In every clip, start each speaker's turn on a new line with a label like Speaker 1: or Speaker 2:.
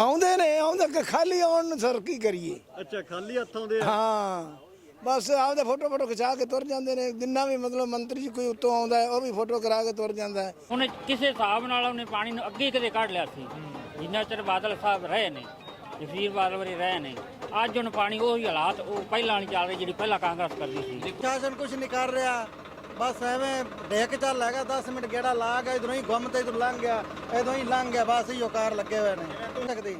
Speaker 1: ਆਉਂਦੇ ਨੇ ਆਉਂਦੇ ਕਿ ਖਾਲੀ ਆਉਣ ਨੂੰ ਸਰ ਕੀ ਕਰੀਏ।
Speaker 2: ਅੱਛਾ ਖਾਲੀ ਹੱਥ ਆਉਂਦੇ ਆ।
Speaker 1: ਹਾਂ ਬਸ ਆਪਦੇ ਫੋਟੋ ਖਿਚਾ ਕੇ ਤੁਰ ਜਾਂਦੇ ਨੇ। ਜਿੰਨਾ ਵੀ ਮਤਲਬ ਮੰਤਰੀ ਜੀ ਕੋਈ ਉੱਤੋਂ ਆਉਂਦਾ ਹੈ ਉਹ ਵੀ ਫੋਟੋ ਕਰਾ ਕੇ ਤੁਰ ਜਾਂਦਾ ਹੈ।
Speaker 3: ਉਹਨੇ ਕਿਸੇ ਹਿਸਾਬ ਨਾਲ ਉਹਨੇ ਪਾਣੀ ਨੂੰ ਅੱਗੇ ਕਦੇ ਕੱਢ ਲਿਆ ਸੀ। ਜਿੰਨਾ ਚਿਰ ਬਾਦਲ ਸਾਹਿਬ ਰਹੇ ਨੇ, ਜਸਵੀਰ ਬਾਦਲ ਵਰੇ ਰਹੇ ਨੇ, ਅੱਜ ਹੁਣ ਪਾਣੀ ਉਹੀ ਹਾਲਾਤ ਉਹ ਪਹਿਲਾਂ ਨਹੀਂ ਚੱਲ ਰਹੀ ਜਿਹੜੀ ਪਹਿਲਾਂ ਕਾਂਗਰਸ ਕਰਦੀ ਸੀ।
Speaker 4: ਪ੍ਰਸ਼ਾਸਨ ਕੁਝ ਨਹੀਂ ਕਰ ਰਿਹਾ, ਬਸ ਐਵੇਂ ਡੇਕ ਚੱਲ ਹੈਗਾ 10 ਮਿੰਟ ਗੇੜਾ ਲਾ ਗਿਆ, ਇਧਰੋਂ ਹੀ ਗੁੰਮ ਤੇ ਇਧਰ ਲੰਘ ਗਿਆ, ਇਧਰੋਂ ਹੀ ਲੰਘ ਗਿਆ, ਬਸ ਇਹੋ ਕਾਰ ਲੱਗੇ ਹੋਏ ਨੇ ਸਕਦੀ।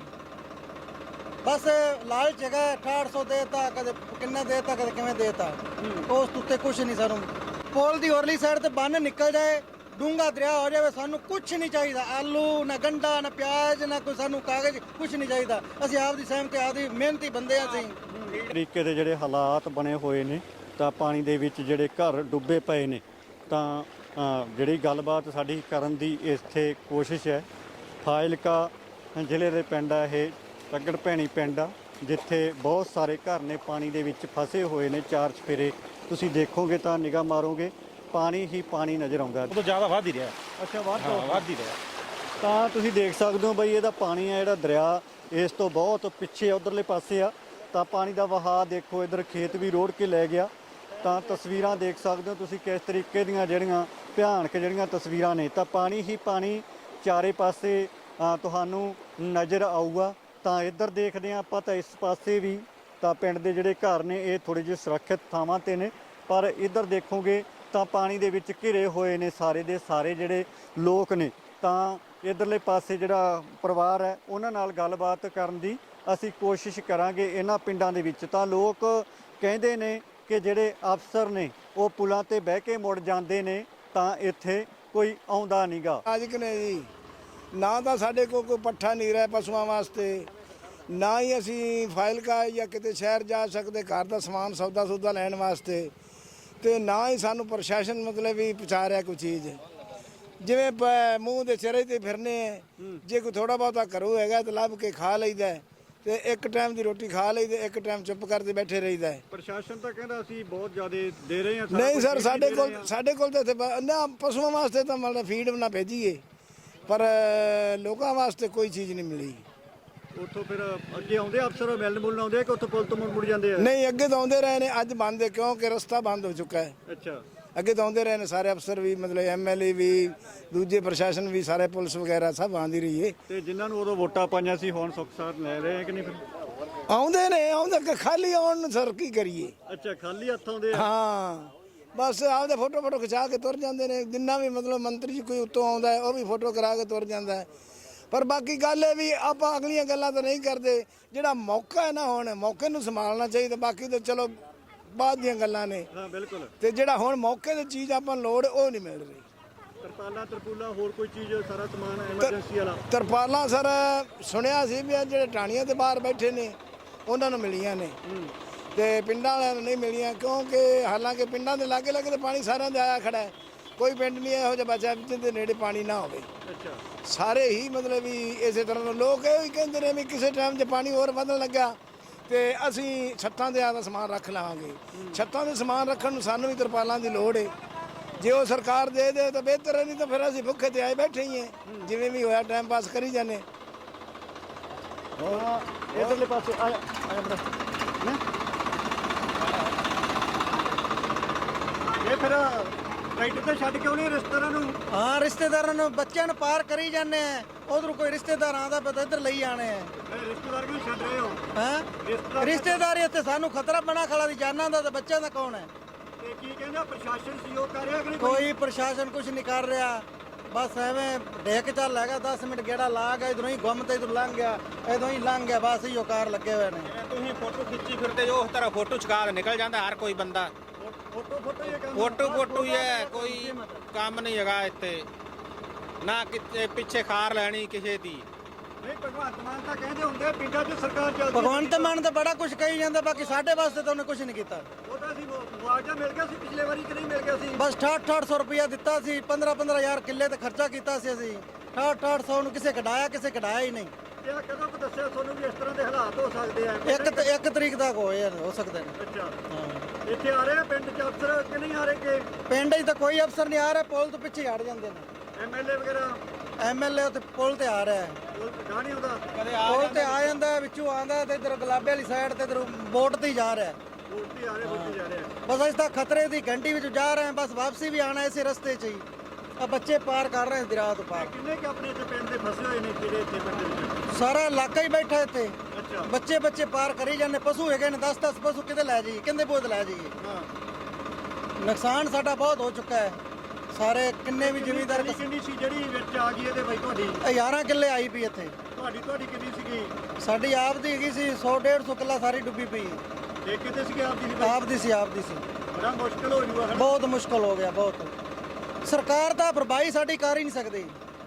Speaker 4: ਬਸ ਲਾਲਚ ਹੈਗਾ 6800 ਦੇਤਾ, ਕਦੇ ਕਿੰਨੇ ਦੇਤਾ, ਕਦੇ ਕਿਵੇਂ ਦੇਤਾ, ਉਸ ਉੱਤੇ ਕੁਝ ਨਹੀਂ। ਸਾਨੂੰ ਪੁਲ ਦੀ ਹੋਰਲੀ ਸਾਈਡ ਤੇ ਬੰਨ ਨਿਕਲ ਜਾਏ, ਡੂੰਗਾ ਦਰਿਆ ਹੋ ਜਾਵੇ, ਸਾਨੂੰ ਕੁਝ ਨਹੀਂ ਚਾਹੀਦਾ। ਆਲੂ ਨਾ ਗੰਡਾ ਨਾ ਪਿਆਜ਼ ਨਾ ਕੋਈ ਸਾਨੂੰ ਕਾਗਜ਼ ਕੁਝ ਨਹੀਂ ਚਾਹੀਦਾ। ਅਸੀਂ ਆਪ ਦੀ ਸਹਿਮਤੀ ਆਪਦੀ ਮਿਹਨਤੀ ਬੰਦੇ ਆ। ਅਸੀਂ
Speaker 2: ਤਰੀਕੇ ਦੇ ਜਿਹੜੇ ਹਾਲਾਤ ਬਣੇ ਹੋਏ ਨੇ ਤਾਂ ਪਾਣੀ ਦੇ ਵਿੱਚ ਜਿਹੜੇ ਘਰ ਡੁੱਬੇ ਪਏ ਨੇ, ਤਾਂ ਜਿਹੜੀ ਗੱਲਬਾਤ ਸਾਡੀ ਕਰਨ ਦੀ ਇੱਥੇ ਕੋਸ਼ਿਸ਼ ਹੈ। ਫਾਜ਼ਿਲਕਾ ਜ਼ਿਲ੍ਹੇ ਦੇ ਪਿੰਡ ਆ ਇਹ ਤੱਗੜ ਭੈਣੀ ਪਿੰਡ ਆ, ਜਿੱਥੇ ਬਹੁਤ ਸਾਰੇ ਘਰ ਨੇ ਪਾਣੀ ਦੇ ਵਿੱਚ ਫਸੇ ਹੋਏ ਨੇ। ਚਾਰ ਚਫੇਰੇ ਤੁਸੀਂ ਦੇਖੋਗੇ ਤਾਂ ਨਿਗਾਹ ਮਾਰੋਗੇ ਪਾਣੀ ਹੀ ਪਾਣੀ ਨਜ਼ਰ ਆਉਂਦਾ।
Speaker 5: ਉਹ ਤੋਂ ਜ਼ਿਆਦਾ ਵੱਧ ਹੀ ਰਿਹਾ।
Speaker 2: ਅੱਛਾ
Speaker 5: ਵੱਧ ਹੀ ਰਿਹਾ।
Speaker 2: ਤਾਂ ਤੁਸੀਂ ਦੇਖ ਸਕਦੇ ਹੋ ਬਈ ਇਹਦਾ ਪਾਣੀ ਆ ਜਿਹੜਾ ਦਰਿਆ ਇਸ ਤੋਂ ਬਹੁਤ ਪਿੱਛੇ ਉਧਰਲੇ ਪਾਸੇ ਆ, ਤਾਂ ਪਾਣੀ ਦਾ ਵਹਾਅ ਦੇਖੋ। ਇੱਧਰ ਖੇਤ ਵੀ ਰੋੜ ਕੇ ਲੈ ਗਿਆ। ਤਾਂ ਤਸਵੀਰਾਂ ਦੇਖ ਸਕਦੇ ਹੋ ਤੁਸੀਂ ਕਿਸ ਤਰੀਕੇ ਦੀਆਂ ਜਿਹੜੀਆਂ ਭਿਆਨਕ ਜਿਹੜੀਆਂ ਤਸਵੀਰਾਂ ਨੇ। ਤਾਂ ਪਾਣੀ ਹੀ ਪਾਣੀ ਚਾਰੇ ਪਾਸੇ ਤੁਹਾਨੂੰ ਨਜ਼ਰ ਆਊਗਾ। ਤਾਂ ਇੱਧਰ ਦੇਖਦੇ ਹਾਂ ਆਪਾਂ ਤਾਂ ਇਸ ਪਾਸੇ ਵੀ ਤਾਂ ਪਿੰਡ ਦੇ ਜਿਹੜੇ ਘਰ ਨੇ ਇਹ ਥੋੜ੍ਹੇ ਜਿਹੇ ਸੁਰੱਖਿਅਤ ਥਾਵਾਂ 'ਤੇ ਨੇ, ਪਰ ਇੱਧਰ ਦੇਖੋਗੇ ਤਾਂ ਪਾਣੀ ਦੇ ਵਿੱਚ ਘਿਰੇ ਹੋਏ ਨੇ ਸਾਰੇ ਦੇ ਸਾਰੇ ਜਿਹੜੇ ਲੋਕ ਨੇ। ਤਾਂ ਇੱਧਰਲੇ ਪਾਸੇ ਜਿਹੜਾ ਪਰਿਵਾਰ ਹੈ ਉਹਨਾਂ ਨਾਲ ਗੱਲਬਾਤ ਕਰਨ ਦੀ ਅਸੀਂ ਕੋਸ਼ਿਸ਼ ਕਰਾਂਗੇ ਇਹਨਾਂ ਪਿੰਡਾਂ ਦੇ ਵਿੱਚ। ਤਾਂ ਲੋਕ ਕਹਿੰਦੇ ਨੇ ਕਿ ਜਿਹੜੇ ਅਫਸਰ ਨੇ ਉਹ ਪੁਲਾਂ ਤੇ ਬਹਿ ਕੇ ਮੁੜ ਜਾਂਦੇ ਨੇ, ਤਾਂ ਇੱਥੇ ਕੋਈ ਆਉਂਦਾ ਨਹੀਂਗਾ।
Speaker 1: ਅੱਜ ਨੇ ਜੀ ਨਾ ਤਾਂ ਸਾਡੇ ਕੋਲ ਕੋਈ ਪੱਠਾ ਨਹੀਂ ਰਿਹਾ ਪਸ਼ੂਆਂ ਵਾਸਤੇ, ਨਾ ਹੀ ਅਸੀਂ ਫਾਜ਼ਿਲਕਾ ਜਾਂ ਕਿਤੇ ਸ਼ਹਿਰ ਜਾ ਸਕਦੇ ਘਰ ਦਾ ਸਮਾਨ ਸੌਦਾ ਲੈਣ ਵਾਸਤੇ, ਤੇ ਨਾ ਹੀ ਸਾਨੂੰ ਪ੍ਰਸ਼ਾਸਨ ਮਤਲਬ ਵੀ ਪਹੁੰਚਾ ਰਿਹਾ ਕੋਈ ਚੀਜ਼। ਜਿਵੇਂ ਮੂੰਹ ਦੇ ਚਿਹਰੇ ਤੇ ਫਿਰਨੇ ਹੈ, ਜੇ ਕੋਈ ਥੋੜਾ ਬਹੁਤਾ ਘਰੋਂ ਹੈਗਾ ਤਾਂ ਲੱਭ ਕੇ ਖਾ ਲਈਦਾ, ਤੇ ਇੱਕ ਟਾਈਮ ਦੀ ਰੋਟੀ ਖਾ ਲਈ ਤੇ ਇੱਕ ਟਾਈਮ ਚੁੱਪ ਕਰਦੇ ਬੈਠੇ ਰਹੀਦਾ।
Speaker 2: ਪ੍ਰਸ਼ਾਸਨ ਤਾਂ ਕਹਿੰਦਾ ਅਸੀਂ ਬਹੁਤ ਜ਼ਿਆਦਾ ਦੇ ਰਹੇ ਹਾਂ।
Speaker 1: ਨਹੀਂ ਸਰ, ਸਾਡੇ ਕੋਲ ਤਾਂ ਇੱਥੇ ਨਾ ਪਸ਼ੂਆਂ ਵਾਸਤੇ ਤਾਂ ਮਤਲਬ ਫੀਡ ਨਾ ਭੇਜੀਏ, ਪਰ ਲੋਕਾਂ ਵਾਸਤੇ ਕੋਈ ਚੀਜ਼ ਨਹੀਂ ਮਿਲੀ।
Speaker 2: ਉੱਥੋਂ ਫਿਰ ਅੱਗੇ ਆਉਂਦੇ ਅਫਸਰ ਮਿਲਣ ਆਉਂਦੇ ਕਿ ਉੱਥੋਂ ਪੁਲ ਤੋਂ ਮੁੜ ਜਾਂਦੇ ਆ?
Speaker 1: ਨਹੀਂ, ਅੱਗੇ ਤਾਂ ਆਉਂਦੇ ਰਹੇ ਨੇ, ਅੱਜ ਬੰਦ ਹੈ ਕਿਉਂਕਿ ਰਸਤਾ ਬੰਦ ਹੋ ਚੁੱਕਾ ਹੈ।
Speaker 2: ਅੱਛਾ,
Speaker 1: ਅੱਗੇ ਤਾਂ ਆਉਂਦੇ ਰਹੇ ਨੇ ਸਾਰੇ ਅਫਸਰ ਵੀ, ਮਤਲਬ ਐਮਐਲਏ ਵੀ, ਦੂਜੇ ਪ੍ਰਸ਼ਾਸਨ ਵੀ, ਸਾਰੇ ਪੁਲਿਸ ਵਗੈਰਾ ਸਭ ਆਉਂਦੀ ਰਹੀ ਹੈ।
Speaker 2: ਤੇ ਜਿਨ੍ਹਾਂ ਨੂੰ ਉਦੋਂ ਵੋਟਾਂ ਪਾਈਆਂ ਸੀ ਹੁਣ ਸੁੱਖ ਸਾਥ ਲੈ ਰਹੇ ਆ ਕਿ ਨਹੀਂ? ਫਿਰ
Speaker 1: ਆਉਂਦੇ ਨੇ ਆਉਂਦੇ ਕਿ ਖਾਲੀ ਆਉਣ ਨੂੰ ਸਰ ਕੀ ਕਰੀਏ।
Speaker 2: ਅੱਛਾ ਖਾਲੀ ਹੱਥ ਆਉਂਦੇ ਆ।
Speaker 1: ਹਾਂ ਬਸ ਆਪਦੇ ਫੋਟੋ ਖਿਚਾ ਕੇ ਤੁਰ ਜਾਂਦੇ ਨੇ। ਜਿੰਨਾ ਵੀ ਮਤਲਬ ਮੰਤਰੀ ਜੀ ਕੋਈ ਉੱਤੋਂ ਆਉਂਦਾ ਹੈ ਉਹ ਵੀ ਫੋਟੋ ਕਰਾ ਕੇ ਤੁਰ ਜਾਂਦਾ ਹੈ। ਪਰ ਬਾਕੀ ਗੱਲ ਇਹ ਵੀ ਆਪਾਂ ਅਗਲੀਆਂ ਗੱਲਾਂ ਤਾਂ ਨਹੀਂ ਕਰਦੇ। ਜਿਹੜਾ ਮੌਕਾ ਹੈ ਨਾ, ਹੁਣ ਮੌਕੇ ਨੂੰ ਸੰਭਾਲਣਾ ਚਾਹੀਦਾ। ਬਾਕੀ ਤਾਂ ਚਲੋ ਬਾਅਦ ਦੀਆਂ ਗੱਲਾਂ ਨੇ।
Speaker 2: ਹਾਂ ਬਿਲਕੁਲ।
Speaker 1: ਤੇ ਜਿਹੜਾ ਹੁਣ ਮੌਕੇ ਦੀ ਚੀਜ਼ ਆਪਾਂ ਨੂੰ ਲੋੜ ਉਹ ਨਹੀਂ ਮਿਲ ਰਹੀ।
Speaker 2: ਤਰਪਾਲਾਂ ਹੋਰ ਕੋਈ ਚੀਜ਼ ਸਾਰਾ ਸਮਾਨ ਐਮਰਜੈਂਸੀ ਵਾਲਾ?
Speaker 1: ਤਰਪਾਲਾਂ ਸਰ ਸੁਣਿਆ ਸੀ ਵੀ ਜਿਹੜੇ ਟਾਣੀਆਂ ਦੇ ਬਾਹਰ ਬੈਠੇ ਨੇ ਉਹਨਾਂ ਨੂੰ ਮਿਲੀਆਂ ਨੇ, ਤੇ ਪਿੰਡਾਂ ਵਾਲਿਆਂ ਨੂੰ ਨਹੀਂ ਮਿਲੀਆਂ, ਕਿਉਂਕਿ ਹਾਲਾਂਕਿ ਪਿੰਡਾਂ ਦੇ ਲਾਗੇ ਤਾਂ ਪਾਣੀ ਸਾਰਿਆਂ ਦੇ ਆਇਆ ਖੜਾ ਹੈ। ਕੋਈ ਪਿੰਡ ਨਹੀਂ ਇਹੋ ਜਿਹਾ ਬਚਿਆ ਜਿਹਦੇ ਨੇੜੇ ਪਾਣੀ ਨਾ ਹੋਵੇ।
Speaker 2: ਅੱਛਾ,
Speaker 1: ਸਾਰੇ ਹੀ ਮਤਲਬ ਵੀ ਇਸੇ ਤਰ੍ਹਾਂ ਲੋਕ ਇਹ ਵੀ ਕਹਿੰਦੇ ਨੇ ਵੀ ਕਿਸੇ ਟਾਈਮ 'ਚ ਪਾਣੀ ਹੋਰ ਵਧਣ ਲੱਗਾ ਤੇ ਅਸੀਂ ਛੱਤਾਂ ਦੇ ਆਦਾ ਸਮਾਨ ਰੱਖ ਲਵਾਂਗੇ। ਛੱਤਾਂ ਦੇ ਸਮਾਨ ਰੱਖਣ ਨੂੰ ਸਾਨੂੰ ਵੀ ਤਰਪਾਲਾਂ ਦੀ ਲੋੜ ਹੈ। ਜੇ ਉਹ ਸਰਕਾਰ ਦੇ ਦੇ ਤਾਂ ਬਿਹਤਰ ਹੈ, ਨਹੀਂ ਤਾਂ ਫਿਰ ਅਸੀਂ ਭੁੱਖੇ ਤੇ ਆਏ ਬੈਠੇ ਹੀ ਹਾਂ। ਜਿਵੇਂ ਵੀ ਹੋਇਆ ਟਾਈਮ ਪਾਸ ਕਰੀ ਜਾਂਦੇ।
Speaker 2: ਇਧਰਲੇ ਪਾਸੇ ਆਇਆ ਇਹ ਫਿਰ ਟਰੈਕਟਰ ਤੇ ਛੱਡ ਕੇ ਆਉਣੇ ਰਿਸ਼ਤੇਦਾਰਾਂ ਨੂੰ?
Speaker 4: ਹਾਂ, ਰਿਸ਼ਤੇਦਾਰਾਂ ਨੂੰ ਬੱਚਿਆਂ ਨੂੰ ਪਾਰ ਕਰੀ ਜਾਂਦੇ ਆ। ਉਧਰ ਕੋਈ ਰਿਸ਼ਤੇਦਾਰ ਆਉਂਦਾ ਪਿਆ ਤਾਂ ਇੱਧਰ ਲਈ ਆਣੇ ਆ।
Speaker 2: ਰਿਸ਼ਤੇਦਾਰ ਕਿਉਂ ਛੱਡ ਰਹੇ ਹੋ?
Speaker 4: ਹਾਂ, ਰਿਸ਼ਤੇਦਾਰੀ ਇੱਥੇ ਸਾਨੂੰ ਖਤਰਾ ਬਣਾ ਖੜਾ ਦੀ ਜਾਨਾਂ ਦਾ, ਤੇ ਬੱਚਿਆਂ ਦਾ ਕੌਣ ਹੈ?
Speaker 2: ਤੇ ਕੀ ਕਹਿੰਦਾ ਪ੍ਰਸ਼ਾਸਨ ਸਹਿਯੋਗ ਕਰ ਰਿਹਾ ਕਿ ਨਹੀਂ?
Speaker 4: ਕੋਈ ਪ੍ਰਸ਼ਾਸਨ ਕੁਝ ਨਹੀਂ ਕਰ ਰਿਹਾ, ਬਸ ਐਵੇਂ ਡੇਕ ਚੱਲ ਹੈਗਾ 10 ਮਿੰਟ ਗੇੜਾ ਲਾ ਗਿਆ, ਇਧਰੋਂ ਹੀ ਗੁੰਮ ਤੇ ਇਧਰ ਲੰਘ ਗਿਆ, ਇਧਰੋਂ ਹੀ ਲੰਘ ਗਿਆ, ਬਸ ਇਹੋ ਕਾਰ ਲੱਗੇ ਹੋਏ ਨੇ।
Speaker 5: ਤੁਸੀਂ ਫੋਟੋ ਖਿੱਚੀ ਫਿਰਦੇ ਜੋ ਉਸ ਤਰ੍ਹਾਂ ਫੋਟੋ ਛਕਾ ਕੇ ਨਿਕਲ ਜਾਂਦਾ ਹਰ ਕੋਈ ਬੰਦਾ। ਫੋਟੋ ਹੀ ਹੈ, ਕੋਈ ਕੰਮ ਨਹੀਂ ਹੈਗਾ ਇੱਥੇ, ਨਾ ਕਿਤੇ ਪਿੱਛੇ ਖਾਰ ਲੈਣੀ ਕਿਸੇ ਦੀ।
Speaker 2: ਨਹੀਂ, ਭਗਵੰਤ ਮਾਨ ਤਾਂ ਕਹਿੰਦੇ ਹੁੰਦੇ ਪਿੰਡਾਂ 'ਚ ਸਰਕਾਰ ਚੱਲਦੀ।
Speaker 4: ਭਗਵੰਤ ਮਾਨ ਤਾਂ ਬੜਾ ਕੁਝ ਕਹੀ ਜਾਂਦਾ, ਬਾਕੀ ਸਾਡੇ ਵਾਸਤੇ ਤਾਂ ਉਹਨੇ ਕੁਝ ਨਹੀਂ ਕੀਤਾ।
Speaker 2: ਉਹ ਤਾਂ ਅਸੀਂ ਮੁਆਵਜ਼ਾ ਮਿਲ ਗਿਆ ਸੀ ਪਿਛਲੇ ਵਾਰੀ ਕਿ ਨਹੀਂ ਮਿਲ ਗਿਆ ਸੀ?
Speaker 4: ਬਸ 6800 ਰੁਪਇਆ ਦਿੱਤਾ ਸੀ, 15-15000 ਕਿੱਲੇ ਤੇ ਖਰਚਾ ਕੀਤਾ ਸੀ ਅਸੀਂ। 6800 ਨੂੰ ਕਿਸੇ ਕਢਾਇਆ ਹੀ ਨਹੀਂ।
Speaker 2: ਇਹ ਕਦੋਂ ਕੁ ਦੱਸਿਆ ਤੁਹਾਨੂੰ ਵੀ ਇਸ ਤਰ੍ਹਾਂ ਦੇ ਹਾਲਾਤ ਹੋ ਸਕਦੇ ਆ?
Speaker 4: ਇੱਕ ਤਰੀਕ ਤੱਕ ਹੋ ਸਕਦੇ ਨੇ।
Speaker 2: ਅੱਛਾ,
Speaker 4: ਹਾਂ,
Speaker 2: ਇੱਥੇ ਆ ਰਹੇ ਆ ਪਿੰਡ 'ਚ ਅਫਸਰ ਕਿ ਨਹੀਂ ਆ ਰਹੇ? ਕਿ
Speaker 4: ਪਿੰਡ 'ਚ ਤਾਂ ਕੋਈ ਅਫਸਰ ਨਹੀਂ ਆ ਰਿਹਾ, ਪੁਲ ਤੋਂ ਪਿੱਛੇ ਹਟ ਜਾਂਦੇ ਨੇ।
Speaker 2: ਐਮਐਲਏ ਵਗੈਰਾ?
Speaker 4: ਐਮਐਲਏ ਤੇ ਪੁਲ ਤੇ ਆ ਰਿਹਾ ਹੈ।
Speaker 2: ਪੁਲ ਤੇ ਨਹੀਂ ਆਉਂਦਾ?
Speaker 4: ਪੁਲ ਤੇ ਆਂਦਾ ਵਿੱਚੋਂ ਆਂਦਾ ਤੇ ਇਧਰ ਗੁਲਾਬੇ ਵਾਲੀ ਸਾਈਡ ਤੇ ਇਧਰ ਬੋਟ ਤੇ ਹੀ ਜਾ ਰਿਹਾ
Speaker 2: ਬੋਟੀ ਆ ਰਹੇ ਬੋਟੀ ਜਾ ਰਹੇ
Speaker 4: ਬਸ ਅਸੀਂ ਤਾਂ ਖਤਰੇ ਦੀ ਘੰਟੀ ਵਿੱਚ ਜਾ ਰਹੇ ਹਾਂ ਬਸ ਵਾਪਸੀ ਵੀ ਆਣਾ ਇਸੇ ਰਸਤੇ 'ਚ ਹੀ ਆ ਬੱਚੇ ਪਾਰ ਕਰ ਰਹੇ ਦਰਿਆ ਤੋਂ ਪਾਰ
Speaker 2: ਕਿੰਨੇ ਕਿ ਆਪਣੇ ਇੱਥੇ ਪਿੰਡ ਦੇ ਫਸੇ ਹੋਏ ਨੇ ਜਿਹੜੇ ਇੱਥੇ ਪਿੰਡ ਦੇ ਵਿੱਚ
Speaker 4: ਸਾਰਾ ਇਲਾਕਾ ਹੀ ਬੈਠਾ ਇੱਥੇ
Speaker 2: ਅੱਛਾ
Speaker 4: ਬੱਚੇ ਪਾਰ ਕਰੀ ਜਾਂਦੇ ਪਸ਼ੂ ਹੈਗੇ ਨੇ 10 ਪਸ਼ੂ ਕਿਤੇ ਲੈ ਜਾਈਏ ਕਿੰਦੇ ਬੋਝ ਲੈ ਜਾਈਏ
Speaker 2: ਹਾਂ
Speaker 4: ਨੁਕਸਾਨ ਸਾਡਾ ਬਹੁਤ ਹੋ ਚੁੱਕਾ ਹੈ ਸਾਰੇ ਕਿੰਨੇ ਵੀ ਜ਼ਿਮੀਂਦਾਰ
Speaker 2: ਕਿੰਨੀ ਸੀ ਜਿਹੜੀ ਵਿੱਚ ਆ ਗਈ ਇਹਦੇ ਬਾਈ ਤੁਹਾਡੀ
Speaker 4: 11 ਕਿੱਲੇ ਆਈ ਪਈ ਇੱਥੇ
Speaker 2: ਤੁਹਾਡੀ ਕਿੰਨੀ ਸੀਗੀ
Speaker 4: ਸਾਡੀ ਆਪ ਦੀ ਹੈਗੀ ਸੀ 100-150 ਕਿੱਲਾ ਸਾਰੀ ਡੁੱਬੀ ਪਈ
Speaker 2: ਇਹ ਕਿਤੇ ਸੀਗੀ ਆਪਦੀ
Speaker 4: ਆਪ ਦੀ ਸੀ
Speaker 2: ਬੜਾ ਮੁਸ਼ਕਲ ਹੋ ਜੂਗਾ
Speaker 4: ਬਹੁਤ ਮੁਸ਼ਕਲ ਹੋ ਗਿਆ ਬਹੁਤ ਸਰਕਾਰ ਤਾਂ ਭਰਪਾਈ ਸਾਡੀ ਕਰ ਹੀ ਨਹੀਂ ਸਕਦੀ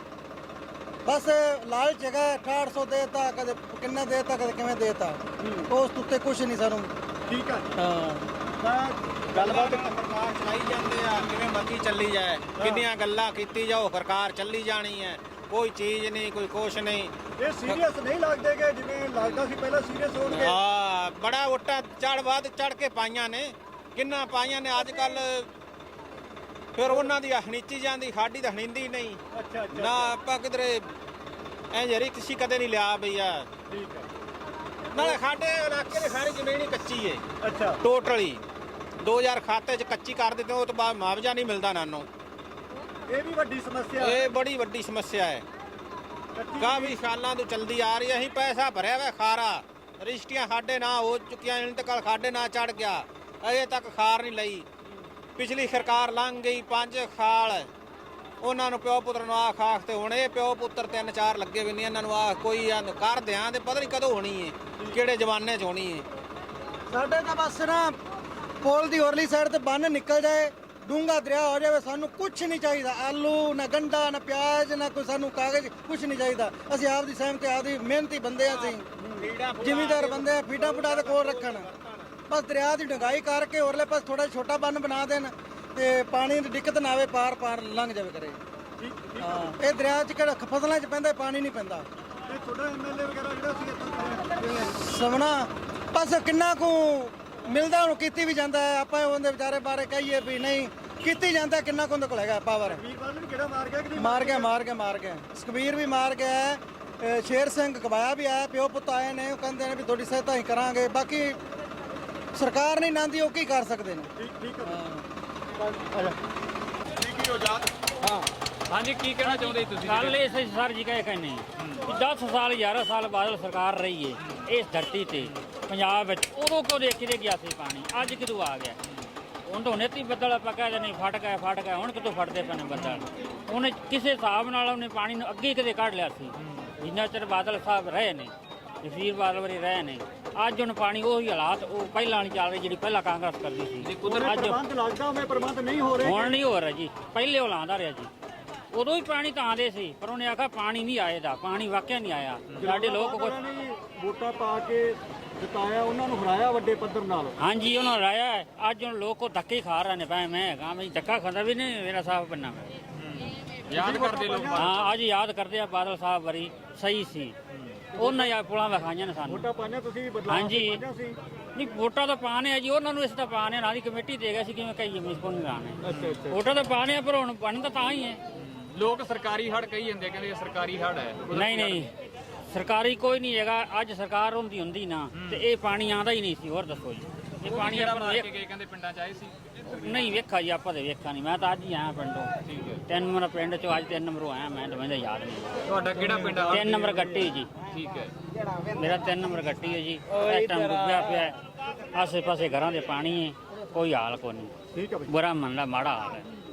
Speaker 4: ਬਸ ਲਾਲਚ ਹੈਗਾ 6800 ਦੇਤਾ ਕਦੇ ਕਿੰਨਾ ਦੇਤਾ ਕਦੇ ਕਿਵੇਂ ਦੇਤਾ ਉਸ ਉੱਤੇ ਕੁਝ ਨਹੀਂ ਸਾਨੂੰ
Speaker 2: ਠੀਕ ਆ
Speaker 4: ਹਾਂ
Speaker 2: ਤਾਂ ਗੱਲਬਾਤ
Speaker 5: ਸਰਕਾਰ ਚਲਾਈ ਜਾਂਦੇ ਆ ਕਿਵੇਂ ਮਰਜ਼ੀ ਚੱਲੀ ਜਾਏ ਕਿੰਨੀਆਂ ਗੱਲਾਂ ਕੀਤੀ ਜਾਓ ਸਰਕਾਰ ਚੱਲੀ ਜਾਣੀ ਹੈ ਕੋਈ ਚੀਜ਼ ਨਹੀਂ ਕੋਈ ਕੁਛ ਨਹੀਂ
Speaker 2: ਇਹ ਸੀਰੀਅਸ ਨਹੀਂ ਲੱਗਦੇ ਕਿ ਜਿਵੇਂ ਲੱਗਦਾ ਸੀ ਪਹਿਲਾਂ ਸੀਰੀਅਸ ਹੋਣਗੇ
Speaker 5: ਹਾਂ ਬੜਾ ਉੱਟਾ ਚੜ ਕੇ ਪਾਈਆਂ ਨੇ ਕਿੰਨਾ ਪਾਈਆਂ ਨੇ ਅੱਜ ਕੱਲ ਫਿਰ ਉਹਨਾਂ ਦੀ ਹਣੀਚੀ ਜਾਂਦੀ ਸਾਡੀ ਤਾਂ ਹਣੀਂਦੀ ਨਹੀਂ
Speaker 2: ਅੱਛਾ
Speaker 5: ਨਾ ਆਪਾਂ ਕਿਧਰੇ ਐ ਜਰੀ ਕਿਸੇ ਕਦੇ ਨਹੀਂ ਲਿਆ ਬਈਆ
Speaker 2: ਠੀਕ ਹੈ
Speaker 5: ਨਾਲੇ ਸਾਡੇ ਇਲਾਕੇ ਦੀ ਸਾਰੀ ਜ਼ਮੀਨ ਹੀ ਕੱਚੀ ਏ
Speaker 2: ਅੱਛਾ
Speaker 5: ਟੋਟਲੀ 2000 ਖਾਤੇ 'ਚ ਕੱਚੀ ਕਰ ਦਿੱਤੇ ਉਹ ਤੋਂ ਬਾਅਦ ਮੁਆਵਜ਼ਾ ਨਹੀਂ ਮਿਲਦਾ ਨਾਨੂੰ
Speaker 2: ਇਹ ਵੀ ਵੱਡੀ ਸਮੱਸਿਆ
Speaker 5: ਇਹ ਬੜੀ ਵੱਡੀ ਸਮੱਸਿਆ ਹੈ ਕਾਫੀ ਸਾਲਾਂ ਤੋਂ ਚਲਦੀ ਆ ਰਹੀ ਹੈ ਅਸੀਂ ਪੈਸਾ ਭਰਿਆ ਵਾ ਖਾਰਾ ਰਜਿਸਟਰੀਆਂ ਸਾਡੇ ਨਾਂ ਹੋ ਚੁੱਕੀਆਂ ਇੰਤਕਾਲ ਸਾਡੇ ਨਾਂ ਚੜ ਗਿਆ ਅਜੇ ਤੱਕ ਖਾਰ ਨਹੀਂ ਲਈ ਪਿਛਲੀ ਸਰਕਾਰ ਲੰਘ ਗਈ 5 ਖਾਲ ਉਹਨਾਂ ਨੂੰ ਪਿਓ ਪੁੱਤਰ ਨੂੰ ਆਖ ਤੇ ਹੁਣ ਇਹ ਪਿਓ ਪੁੱਤਰ 3-4 ਲੱਗੇ ਵੀ ਨਹੀਂ ਇਹਨਾਂ ਨੂੰ ਆਖ ਕੋਈ ਕਰ ਦਿਆਂ ਤੇ ਪਤਾ ਨਹੀਂ ਕਦੋਂ ਹੋਣੀ ਹੈ ਕਿਹੜੇ ਜ਼ਮਾਨੇ 'ਚ ਹੋਣੀ ਹੈ
Speaker 4: ਸਾਡੇ ਤਾਂ ਬਸ ਨਾ ਪੁਲ ਦੀ ਹੋਰਲੀ ਸਾਈਡ ਤੇ ਬੰਨ ਨਿਕਲ ਜਾਏ ਡੂੰਗਾ ਦਰਿਆ ਹੋ ਜਾਵੇ ਸਾਨੂੰ ਕੁਝ ਨਹੀਂ ਚਾਹੀਦਾ ਆਲੂ ਨਾ ਗੰਡਾ ਨਾ ਪਿਆਜ਼ ਨਾ ਕੋਈ ਸਾਨੂੰ ਕਾਗਜ਼ ਕੁਝ ਨਹੀਂ ਚਾਹੀਦਾ ਅਸੀਂ ਆਪ ਦੀ ਸਹਿਮਤੀ ਆਪਦੀ ਮਿਹਨਤੀ ਬੰਦੇ ਆ ਅਸੀਂ ਜ਼ਿਮੀਂਦਾਰ ਬੰਦੇ ਆ ਫੀਡਾ ਫੁੱਡਾ ਦੇ ਕੋਲ ਰੱਖਣ ਬਸ ਦਰਿਆ ਦੀ ਡੰਗਾਈ ਕਰਕੇ ਹੋਰਲੇ ਪਾਸ ਥੋੜਾ ਛੋਟਾ ਬੰਨ ਬਣਾ ਦੇਣ ਤੇ ਪਾਣੀ ਦੀ ਦਿੱਕਤ ਨਾ ਆਵੇ ਪਾਰ ਲੰਘ ਜਾਵੇ ਕਰੇ ਹਾਂ ਇਹ ਦਰਿਆ 'ਚ ਕਿਹੜਾ ਫਸਲਾਂ 'ਚ ਪੈਂਦਾ ਪਾਣੀ ਨਹੀਂ ਪੈਂਦਾ
Speaker 2: ਇਹ ਤੁਹਾਡਾ ਐਮਐਲਏ ਵਗੈਰਾ ਜਿਹੜਾ ਸੀ ਇੱਥੋਂ
Speaker 4: ਸਮਣਾ ਬਸ ਕਿੰਨਾ ਕੁ ਮਿਲਦਾ ਉਹਨੂੰ ਕੀਤੀ ਵੀ ਜਾਂਦਾ ਹੈ ਆਪਾਂ ਉਹਦੇ ਵਿਚਾਰੇ ਬਾਰੇ ਕਹੀਏ ਵੀ ਨਹੀਂ ਕੀਤੀ ਜਾਂਦਾ ਕਿੰਨਾ ਕੁ ਉਹਦੇ ਕੋਲ ਹੈਗਾ ਪਾਵਰ
Speaker 2: ਵੀਰਵਾਰ ਨੂੰ ਕਿਹੜਾ ਮਾਰ ਗਿਆ ਕਿ ਨਹੀਂ
Speaker 4: ਮਾਰ ਗਿਆ ਸੁਖਬੀਰ ਵੀ ਮਾਰ ਗਿਆ ਹੈ, ਸ਼ੇਰ ਸਿੰਘ ਕਬਾਇਆ ਵੀ ਆਇਆ ਪਿਓ ਪੁੱਤ ਆਏ ਨੇ ਉਹ ਕਹਿੰਦੇ ਨੇ ਵੀ ਤੁਹਾਡੀ ਸਹਾਇਤਾ ਹੀ ਕਰਾਂਗੇ ਬਾਕੀ ਸਰਕਾਰ ਨਹੀਂ ਨਾਂਦੀ ਉਹ ਕੀ ਕਰ ਸਕਦੇ ਨੇ
Speaker 2: ਠੀਕ ਹੈ
Speaker 6: ਹਾਂਜੀ ਕੀ ਕਹਿਣਾ ਚਾਹੁੰਦੇ ਤੁਸੀਂ
Speaker 3: ਗੱਲ ਇਸ ਸਰ ਜੀ ਕਹੇ ਕਹਿੰਦੇ 10 ਸਾਲ 11 ਸਾਲ ਬਾਦਲ ਸਰਕਾਰ ਰਹੀ ਏ ਇਸ ਧਰਤੀ ਤੇ ਪੰਜਾਬ ਵਿੱਚ ਉਦੋਂ ਕੋ ਦੇਖ ਕੇ ਗਿਆ ਸੀ ਪਾਣੀ ਅੱਜ ਕਿਦੋਂ ਆ ਗਿਆ ਹੁਣ ਤਾਂ ਹੁਣੇ ਤੀ ਬੱਦਲ ਆਪਾਂ ਕਹਿ ਨਹੀਂ ਫਟ ਗਿਆ ਹੁਣ ਕਿਤੋਂ ਫਟਦੇ ਪਏ ਨੇ ਬੱਦਲ ਉਹਨੇ ਕਿਸੇ ਹਿਸਾਬ ਨਾਲ ਉਹਨੇ ਪਾਣੀ ਨੂੰ ਅੱਗੇ ਕਦੇ ਕੱਢ ਲਿਆ ਸੀ ਜਿੰਨਾ ਚਿਰ ਬਾਦਲ ਸਾਹਿਬ ਰਹੇ ਨੇ ਜਸਵੀਰ ਬਾਦਲ ਵਰੀ ਰਹੇ ਨੇ ਅੱਜ ਹੁਣ ਪਾਣੀ ਉਹੀ ਹਾਲਾਤ ਉਹ ਪਹਿਲਾਂ ਨਹੀਂ ਚੱਲ ਰਹੀ ਜਿਹੜੀ ਪਹਿਲਾਂ ਕਾਂਗਰਸ ਕਰਦੀ ਸੀ ਅੱਜ
Speaker 2: ਪ੍ਰਬੰਧ ਲੱਗਦਾ ਉਵੇਂ ਪ੍ਰਬੰਧ ਨਹੀਂ ਹੋ ਰਹੇ
Speaker 3: ਹੁਣ ਨਹੀਂ ਹੋ ਰਿਹਾ ਜੀ ਪਹਿਲੇ ਉਹ ਲਾਉਂਦਾ ਰਿਹਾ ਜੀ ਉਦੋਂ ਹੀ ਪਾਣੀ ਤਾਂ ਆਉਂਦੇ ਸੀ ਪਰ ਉਹਨੇ ਆਖਿਆ ਪਾਣੀ ਨਹੀਂ ਆਏਦਾ ਪਾਣੀ ਵਾਕਿਆ ਨਹੀਂ ਆਇਆ ਸਾਡੇ ਲੋਕ ਕੁਝ
Speaker 2: ਵੋਟਾਂ ਪਾ ਕੇ ਜਿਤਾਇਆ ਉਹਨਾਂ ਨੂੰ ਹਰਾਇਆ ਵੱਡੇ ਪੱਧਰ ਨਾਲ
Speaker 3: ਹਾਂਜੀ ਉਹਨਾਂ ਰਾਇਆ ਹੈ। ਅੱਜ ਹੁਣ ਲੋਕ ਉਹ ਧੱਕੇ ਹੀ ਖਾ ਰਹੇ ਨੇ ਭਾਵੇਂ ਮੈਂ ਹੈਗਾ ਮੈਂ ਧੱਕਾ ਖਾਂਦਾ ਵੀ ਨਹੀਂ ਮੇਰਾ ਸਾਹਿਬ ਬੰਨਾ ਮੈਂ
Speaker 6: ਯਾਦ ਕਰਦੇ ਲੋਕ
Speaker 3: ਹਾਂ ਅੱਜ ਯਾਦ ਕਰਦੇ ਆ ਬਾਦਲ ਸਾਹਿਬ ਵਰੀ ਸਹੀ ਸੀ ਉਹਨਾਂ ਯਾ ਪੁਲਾਂ ਵਿਖਾਈਆਂ ਨੇ ਸਾਨੂੰ
Speaker 2: ਵੋਟਾਂ ਪਾਈਆਂ ਤੁਸੀਂ ਬਦਲਾਅ
Speaker 3: ਹਾਂਜੀ
Speaker 2: ਪਾਈਆਂ ਸੀ
Speaker 3: ਨਹੀਂ ਵੋਟਾਂ ਤਾਂ ਪਾਣੇ ਆ ਜੀ ਉਹਨਾਂ ਨੂੰ ਇਸ ਤਾਂ ਪਾਣੇ ਨਾਲ ਦੀ ਕਮੇਟੀ ਦੇ ਗਿਆ ਸੀ ਕਿਵੇਂ ਕਹੀਏ ਮਿਸਕੋ ਨਹੀਂ ਲਾਣੇ
Speaker 2: ਅੱਛਾ
Speaker 3: ਵੋਟਾਂ ਤਾਂ ਪਾਣੇ ਆ ਪਰ ਹੁਣ ਬਣਦਾ ਤਾਂ ਹੀ ਹੈ
Speaker 6: ਲੋਕ ਸਰਕਾਰੀ ਹੜ ਕਹੀ ਜਾਂਦੇ ਕਹਿੰਦੇ ਇਹ ਸਰਕਾਰੀ ਹੜ ਹੈ
Speaker 3: ਨਹੀਂ ਸਰਕਾਰੀ ਕੋਈ ਨਹੀਂ ਹੈਗਾ ਅੱਜ ਸਰਕਾਰ ਹੁੰਦੀ ਨਾ ਤੇ ਇਹ ਪਾਣੀ ਆਂਦਾ ਹੀ ਨਹੀਂ ਸੀ ਹੋਰ ਦੱਸੋ ਜੀ ਇਹ ਪਾਣੀ
Speaker 6: ਜਿਹੜਾ
Speaker 3: ਆਪਾਂ
Speaker 6: ਮਾਰ ਕੇ ਗਏ ਕਹਿੰਦੇ ਪਿੰਡਾਂ ਚ ਆਏ ਸੀ
Speaker 3: ਨਹੀਂ ਵੇਖਾ ਜੀ ਆਪਾਂ ਤੇ ਵੇਖਾ ਨਹੀਂ ਮੈਂ ਤਾਂ ਅੱਜ ਹੀ ਆਇਆ ਪਿੰਡੋਂ
Speaker 6: ਠੀਕ ਹੈ
Speaker 3: 3 ਨੰਬਰ ਪਿੰਡ ਚੋਂ ਅੱਜ 3 ਨੰਬਰੋਂ ਆਇਆ ਮੈਂ ਤਾਂ ਮੈਨੂੰ ਯਾਦ ਨਹੀਂ
Speaker 6: ਤੁਹਾਡਾ ਕਿਹੜਾ ਪਿੰਡ ਆ
Speaker 3: 3 ਨੰਬਰ ਗੱਟੀ ਜੀ
Speaker 6: ਠੀਕ ਹੈ
Speaker 3: ਮੇਰਾ 3 ਨੰਬਰ ਗੱਟੀ ਹੈ ਜੀ ਇਸ ਟਾਈਮ ਡੁੱਬਿਆ ਪਿਆ ਹੈ। ਆਸੇ ਪਾਸੇ ਘਰਾਂ ਦੇ ਪਾਣੀ ਹੈ ਕੋਈ ਹਾਲ ਕੋਈ ਨਹੀਂ
Speaker 2: ਠੀਕ ਹੈ
Speaker 3: ਬੁਰਾ ਮੰਨਦਾ ਮਾੜਾ ਹਾਲ ਹੈ